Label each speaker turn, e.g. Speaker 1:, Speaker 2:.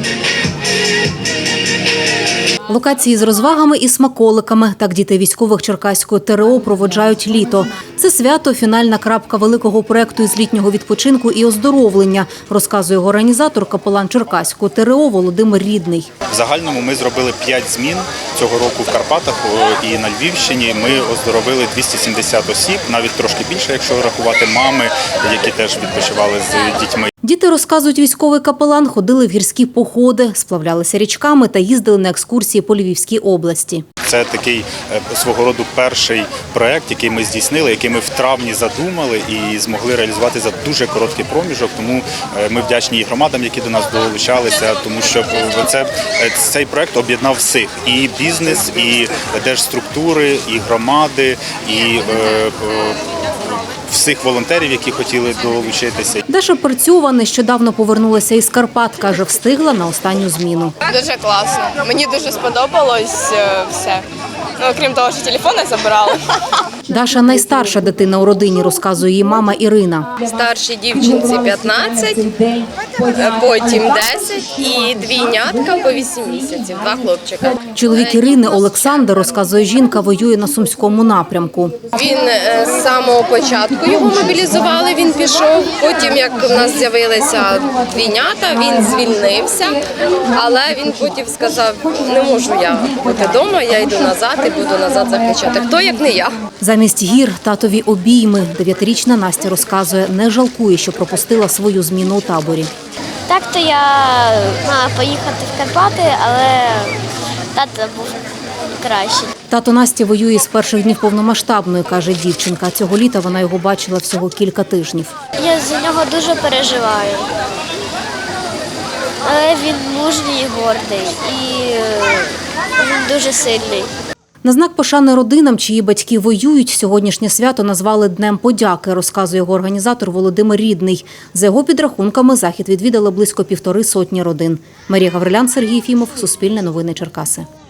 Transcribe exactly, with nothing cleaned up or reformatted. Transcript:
Speaker 1: Локації з розвагами і смаколиками. Так діти військових Черкаської ТРО проводжають літо. Це свято – фінальна крапка великого проєкту із літнього відпочинку і оздоровлення, розказує його організатор, капелан Черкаського ТРО Володимир Рідний.
Speaker 2: В загальному ми зробили п'ять змін цього року в Карпатах і на Львівщині. Ми оздоровили двісті сімдесят осіб, навіть трошки більше, якщо рахувати мами, які теж відпочивали з дітьми.
Speaker 1: Діти, розказують військовий капелан, ходили в гірські походи, сплавлялися річками та їздили на екскурсії по Львівській області.
Speaker 2: Це такий свого роду перший проєкт, який ми здійснили, який ми в травні задумали і змогли реалізувати за дуже короткий проміжок. Тому ми вдячні і громадам, які до нас долучалися, тому що це, цей проєкт об'єднав всіх – і бізнес, і держструктури, і громади, і е, е, всіх волонтерів, які хотіли долучитися.
Speaker 1: Даша Перцьова нещодавно повернулася із Карпат. Каже, встигла на останню зміну.
Speaker 3: Дуже класно. Мені дуже сподобалось все. Ну, окрім того, що телефони забирали.
Speaker 1: Даша – найстарша дитина у родині, розказує її мама Ірина.
Speaker 3: Старшій дівчинці п'ятнадцять, потім десять і двійнятка по вісім місяців, два хлопчика.
Speaker 1: Чоловік Ірини Олександр, розказує жінка, воює на Сумському напрямку.
Speaker 3: Він з самого початку його мобілізували, він пішов. Потім, як у нас з'явилися двійнята, він звільнився, але він потім сказав, не можу я бути вдома, я йду назад і буду назад захищати. Хто, як не я.
Speaker 1: Замість гір – татові обійми. Дев'ятирічна Настя розказує, не жалкує, що пропустила свою зміну у таборі.
Speaker 4: Так-то я мала поїхати в Карпати, але тато був кращий.
Speaker 1: Тато Насті воює з перших днів повномасштабної, каже дівчинка. Цього літа вона його бачила всього кілька тижнів.
Speaker 4: Я за нього дуже переживаю. Але він мужній і гордий, і він дуже сильний.
Speaker 1: На знак пошани родинам, чиї батьки воюють, сьогоднішнє свято назвали Днем подяки, розказує його організатор Володимир Рідний. За його підрахунками, захід відвідали близько півтори сотні родин. Марія Гаврилян, Сергій Єфімов, Суспільне новини Черкаси.